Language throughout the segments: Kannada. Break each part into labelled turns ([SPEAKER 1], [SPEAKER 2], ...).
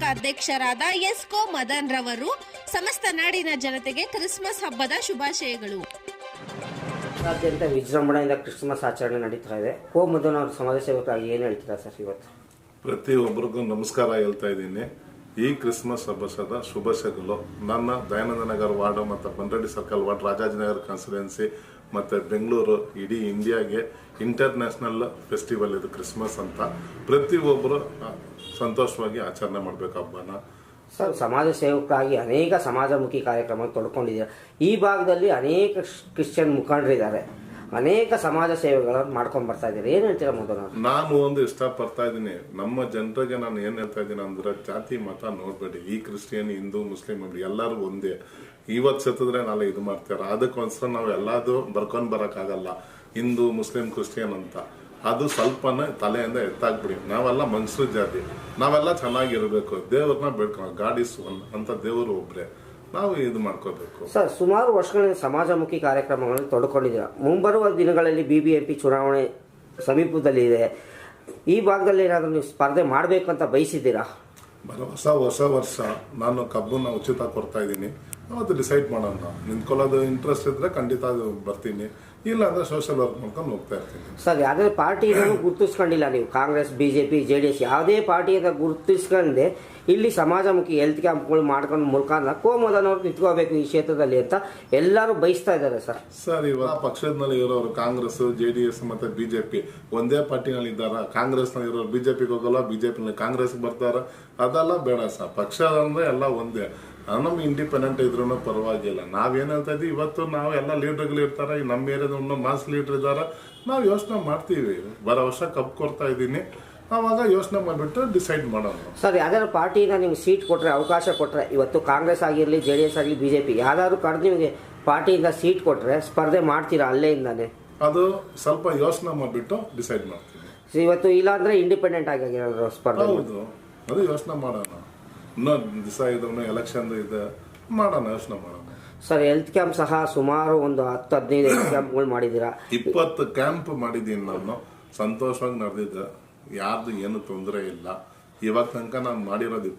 [SPEAKER 1] ಅಧ್ಯಕ್ಷರಾದ ಎಸ್ಕೋ ಮದನ್ ರವರು ಸಮಸ್ತ ನಾಡಿನ ಜನತೆಗೆ ಕ್ರಿಸ್ಮಸ್ ಹಬ್ಬದ ಶುಭಾಶಯಗಳು.
[SPEAKER 2] ರಾಜ್ಯಾದ್ಯಂತ ವಿಜೃಂಭಣೆಯಿಂದ ಕ್ರಿಸ್ಮಸ್ ಆಚರಣೆ ನಡೀತಾ ಇದೆ. ಕೋ ಮದನ್ ಅವರ ಸಮಾಜ ಸೇವಕರಾಗಿ ಏನು ಹೇಳ್ತೀರಾ ಸರ್? ಇವತ್ತು
[SPEAKER 3] ಪ್ರತಿಯೊಬ್ಬರಿಗೂ ನಮಸ್ಕಾರ ಹೇಳ್ತಾ ಇದ್ದೀನಿ. ಈ ಕ್ರಿಸ್ಮಸ್ ಹಬ್ಬದ ಶುಭಾಶಯಗಳು. ನನ್ನ ದಯಾನಂದ ನಗರ ವಾರ್ಡ್ ಮತ್ತು Bandralli circle ward, Rajajinagar constituency ಮತ್ತು ಬೆಂಗಳೂರು, ಇಡೀ ಇಂಡಿಯಾಗೆ ಇಂಟರ್ನ್ಯಾಷನಲ್ ಫೆಸ್ಟಿವಲ್ ಇದು ಕ್ರಿಸ್ಮಸ್ ಅಂತ. ಪ್ರತಿಯೊಬ್ಬರು ಸಂತೋಷವಾಗಿ ಆಚರಣೆ ಮಾಡಬೇಕು ಹಬ್ಬನ.
[SPEAKER 2] ಸರ್, ಸಮಾಜ ಸೇವಕರಾಗಿ ಅನೇಕ ಸಮಾಜಮುಖಿ ಕಾರ್ಯಕ್ರಮ ತೊಡ್ಕೊಂಡಿದ್ದಾರೆ. ಈ ಭಾಗದಲ್ಲಿ ಅನೇಕ ಕ್ರಿಶ್ಚಿಯನ್ ಮುಖಂಡರಿದ್ದಾರೆ, ಅನೇಕ ಸಮಾಜ ಸೇವೆಗಳನ್ನು ಮಾಡ್ಕೊಂಡು ಬರ್ತಾ ಇದ್ದಾರೆ. ಏನ್ ಹೇಳ್ತೀರಾ ಮೊದಲು?
[SPEAKER 3] ನಾನು ಒಂದು ಇಷ್ಟಪಡ್ತಾ ಇದ್ದೀನಿ, ನಮ್ಮ ಜನರಿಗೆ ನಾನು ಏನ್ ಹೇಳ್ತಾ ಇದ್ದೀನಿ ಅಂದ್ರೆ, ಜಾತಿ ಮತ ನೋಡ್ಬೇಡಿ. ಈ ಕ್ರಿಶ್ಚಿಯನ್, ಹಿಂದೂ, ಮುಸ್ಲಿಂ ಎಲ್ಲರೂ ಒಂದೇ. ಇವತ್ತು ಸತ್ತಿದ್ರೆ ನಾಳೆ ಇದು ಮಾಡ್ತಾರೆ. ಅದಕ್ಕೋಸ್ಕರ ನಾವು ಎಲ್ಲಾದು ಬರ್ಕೊಂಡ್ ಬರಕ್ಕಾಗಲ್ಲ, ಹಿಂದೂ ಮುಸ್ಲಿಂ ಕ್ರಿಶ್ಚಿಯನ್ ಅಂತ. ಅದು ಸ್ವಲ್ಪನೇ ತಲೆಯಿಂದ ಎತ್ತಾಕ್ಬಿಡಿ. ನಾವೆಲ್ಲ ಮನುಷ್ಯರ ಜಾತಿ, ನಾವೆಲ್ಲ ಚೆನ್ನಾಗಿರ್ಬೇಕು, ದೇವ್ರನ್ನ ಬೇಡ್ಕೊಂಡು. ಗಾಡ್ ಇಸ್ ಒನ್ ಅಂತ ದೇವರು ಒಬ್ರೆ, ನಾವು ಇದು ಮಾಡ್ಕೋಬೇಕು.
[SPEAKER 2] ಸರ್, ಸುಮಾರು ವರ್ಷಗಳಿಂದ ಸಮಾಜಮುಖಿ ಕಾರ್ಯಕ್ರಮಗಳನ್ನು ತೊಡ್ಕೊಂಡಿದ್ದೀರಾ. ಮುಂಬರುವ ದಿನಗಳಲ್ಲಿ BBMP ಚುನಾವಣೆ ಸಮೀಪದಲ್ಲಿ ಇದೆ. ಈ ಭಾಗದಲ್ಲಿ ಏನಾದರೂ ನೀವು ಸ್ಪರ್ಧೆ ಮಾಡಬೇಕು ಅಂತ ಬಯಸಿದ್ದೀರಾ?
[SPEAKER 3] ಹೊಸ ವರ್ಷ ನಾನು ಕಬ್ಬನ್ನ ಉಚಿತ ಕೊಡ್ತಾ ಇದ್ದೀನಿ. ಅವತ್ತು ಡಿಸೈಡ್ ಮಾಡೋಣ. ನಿಂತ್ಕೊಳ್ಳೋದು ಇಂಟ್ರೆಸ್ಟ್ ಇದ್ರೆ ಖಂಡಿತ ಬರ್ತೀನಿ, ಇಲ್ಲ ಅಂದ್ರೆ ಸೋಷಿಯಲ್ ವರ್ಕ್ ಮಾಡ್ಕೊಂಡು ಹೋಗ್ತಾ ಇರ್ತೀನಿ.
[SPEAKER 2] ಸರ್, ಯಾವುದೇ ಪಾರ್ಟಿಯನ್ನು ಗುರುತಿಸ್ಕೊಂಡಿಲ್ಲ ನೀವು? ಕಾಂಗ್ರೆಸ್, BJP, JDS ಯಾವುದೇ ಪಾರ್ಟಿಯಿಂದ ಗುರುತಿಸ್ಕೊಂಡೆ ಇಲ್ಲಿ ಸಮಾಜಮುಖಿ ಹೆಲ್ತ್ ಕ್ಯಾಂಪ್ಗಳು ಮಾಡ್ಕೊಂಡು ಮುಖಾಂತರ ಕೋ ಮದನ್ ಅವ್ರು ನಿಂತ್ಕೋಬೇಕು ಈ ಕ್ಷೇತ್ರದಲ್ಲಿ ಅಂತ ಎಲ್ಲರೂ ಬಯಸ್ತಾ ಇದ್ದಾರೆ. ಸರ್,
[SPEAKER 3] ಇವಾಗ ಪಕ್ಷದಲ್ಲಿ ಇರೋರು ಕಾಂಗ್ರೆಸ್, JDS ಮತ್ತೆ BJP ಒಂದೇ ಪಾರ್ಟಿನಲ್ಲಿ ಇದ್ದಾರ. ಕಾಂಗ್ರೆಸ್ ನಲ್ಲಿ ಇರೋರು BJPಗೆ ಹೋಗಲ್ಲ, BJP ನಲ್ಲಿ ಕಾಂಗ್ರೆಸ್ ಬರ್ತಾರ. ಅದೆಲ್ಲ ಬೇಡ ಸರ್. ಪಕ್ಷ ಅಂದ್ರೆ ಎಲ್ಲ ಒಂದೇ. ನಮ್ಗೆ ಇಂಡಿಪೆಂಡೆಂಟ್ ಇದ್ರೂ ಪರವಾಗಿಲ್ಲ. ನಾವೇನ್ ಹೇಳ್ತಾ ಇದ್ವಿ, ಇವತ್ತು ನಾವು ಎಲ್ಲ ಲೀಡರ್ಗಳು ಇರ್ತಾರೆ, ನಮ್ಮ ಏರಿಯಾದ ಮಾಸ್ ಲೀಡರ್ ಇದ್ದಾರೆ. ನಾವು ಯೋಚನೆ ಮಾಡ್ತೀವಿ. ಬರೋ ವರ್ಷ ಕಪ್ ಕೊಡ್ತಾ ಇದ್ದೀನಿ, ಆವಾಗ ಯೋಚನೆ ಮಾಡಿಬಿಟ್ಟು ಡಿಸೈಡ್ ಮಾಡೋಣ.
[SPEAKER 2] ಸರ್, ಯಾವ್ದಾದ್ರು ಪಾರ್ಟಿಯಿಂದ ನಿಮ್ಗೆ ಸೀಟ್ ಕೊಟ್ಟರೆ, ಅವಕಾಶ ಕೊಟ್ಟರೆ, ಇವತ್ತು ಕಾಂಗ್ರೆಸ್ ಆಗಿರಲಿ, JDS ಆಗಲಿ, BJP ಯಾವ್ದಾದ್ರು ಕರೆದು ನಿಮಗೆ ಪಾರ್ಟಿಯಿಂದ ಸೀಟ್ ಕೊಟ್ಟರೆ ಸ್ಪರ್ಧೆ ಮಾಡ್ತೀರಾ ಅಲ್ಲೇಯಿಂದಾನೆ?
[SPEAKER 3] ಅದು ಸ್ವಲ್ಪ ಯೋಚನೆ ಮಾಡಿಬಿಟ್ಟು ಡಿಸೈಡ್ ಮಾಡ್ತೀವಿ.
[SPEAKER 2] ಇವತ್ತು ಇಲ್ಲ ಅಂದ್ರೆ ಇಂಡಿಪೆಂಡೆಂಟ್ ಆಗಿ ಸ್ಪರ್ಧೆ.
[SPEAKER 3] ಹೌದು, ಅದು ಯೋಚನೆ ಮಾಡೋಣ. ಇನ್ನೊಂದು ದಿವಸ ಇದ್ರೂ ಎಲೆಕ್ಷನ್ ಇದೆ, ಮಾಡೋಣ, ಯೋಚನೆ ಮಾಡೋಣ.
[SPEAKER 2] ಸರ್, ಹೆಲ್ತ್ ಕ್ಯಾಂಪ್ ಸಹ ಸುಮಾರು ಒಂದು 10-15 ಹೆಲ್ತ್ ಕ್ಯಾಂಪ್ಗಳು ಮಾಡಿದ್ದೀರಾ.
[SPEAKER 3] 20 ಕ್ಯಾಂಪ್ ಮಾಡಿದ್ದೀನಿ ನಾನು. ಸಂತೋಷವಾಗಿ ನಡೆದಿದ್ದೆ, ಯಾರ್ದು ಏನು ತೊಂದರೆ ಇಲ್ಲ. ಇವಾಗ ತನಕ ನಾನು ಮಾಡಿರೋದು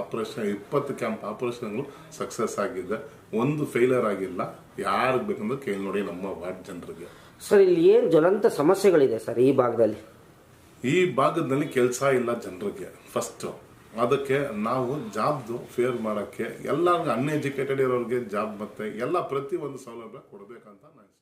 [SPEAKER 3] 20 ಕ್ಯಾಂಪ್ ಆಪರೇಷನ್ಗಳು ಸಕ್ಸಸ್ ಆಗಿದೆ. ಒಂದು ಫೇಲಿಯರ್ ಆಗಿಲ್ಲ. ಯಾರಿಗೆ ಬೇಕಂದ್ರೆ ಕೇಳಿ ನೋಡಿ ನಮ್ಮ ವಾರ್ಡ್ ಜನರಿಗೆ.
[SPEAKER 2] ಸರ್, ಇಲ್ಲಿ ಏನು ಜ್ವಲಂತ ಸಮಸ್ಯೆಗಳಿದೆ ಸರ್ ಈ ಭಾಗದಲ್ಲಿ?
[SPEAKER 3] ಈ ಭಾಗದಲ್ಲಿ ಕೆಲಸ ಇಲ್ಲ ಜನರಿಗೆ ಫಸ್ಟ್. ಅದಕ್ಕೆ ನಾವು ಜಾಬ್ದು ಫೇರ್ ಮಾಡೋಕ್ಕೆ ಎಲ್ಲರಿಗೂ ಅನ್ಎಜುಕೇಟೆಡ್ ಇರೋರಿಗೆ ಜಾಬ್ ಮತ್ತೆ ಎಲ್ಲ ಪ್ರತಿ ಒಂದು ಸೌಲಭ್ಯ ಕೊಡಬೇಕಂತ ನಾನು